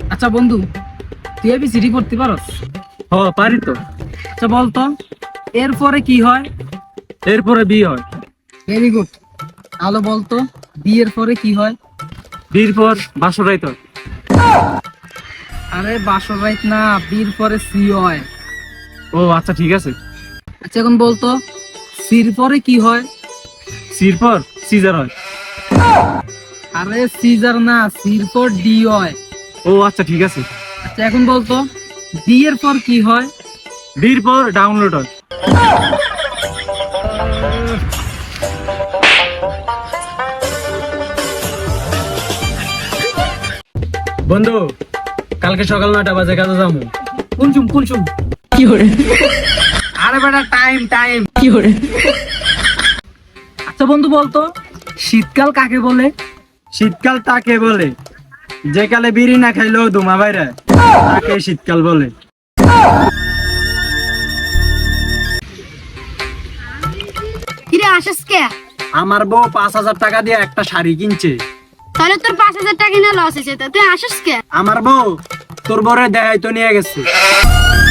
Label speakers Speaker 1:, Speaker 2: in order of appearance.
Speaker 1: আচ্ছা বন্ধু, তুই এবিসিডি পড়তে পারস?
Speaker 2: পারি তো।
Speaker 1: আচ্ছা বলতো, এরপরে কি হয়?
Speaker 2: এরপরে বি হয়।
Speaker 1: Very good. আলো বলতো, বি এর পরে কি হয়?
Speaker 2: বির পর বাসরাই তো।
Speaker 1: আরে বাসর রাইত না, বির পরে সি হয়।
Speaker 2: ও আচ্ছা ঠিক আছে।
Speaker 1: আচ্ছা এখন বলতো, সির পরে কি হয়?
Speaker 2: সির পর সিজার হয়।
Speaker 1: আরে সিজার না, সির পর ডি হয়।
Speaker 2: ও আচ্ছা ঠিক আছে।
Speaker 1: আচ্ছা এখন বলতো, ডি এর পর কি হয়?
Speaker 2: বির পর ডাউনলোড হয়। বন্ধু, কালকে সকাল 9টা বাজে কাজে যাবো।
Speaker 1: কুনচুম কুনচুম। আরে বেটা, টাইম টাইম। আচ্ছা বন্ধু বলতো, শীতকাল কাকে বলে?
Speaker 2: শীতকাল তাকে বলে যে কালে বিড়ি না খাইলেও ধুমা বাইরে, তাকে শীতকাল বলে।
Speaker 3: কিরে আসিস কে?
Speaker 2: আমার বউ 5,000 টাকা দিয়ে একটা শাড়ি কিনছে।
Speaker 3: তাহলে তোর 5,000 টাকা না লস হয়েছে, তা তুই আসিস কে?
Speaker 2: আমার বউ তোর বরে দেখাই তো নিয়ে গেছে।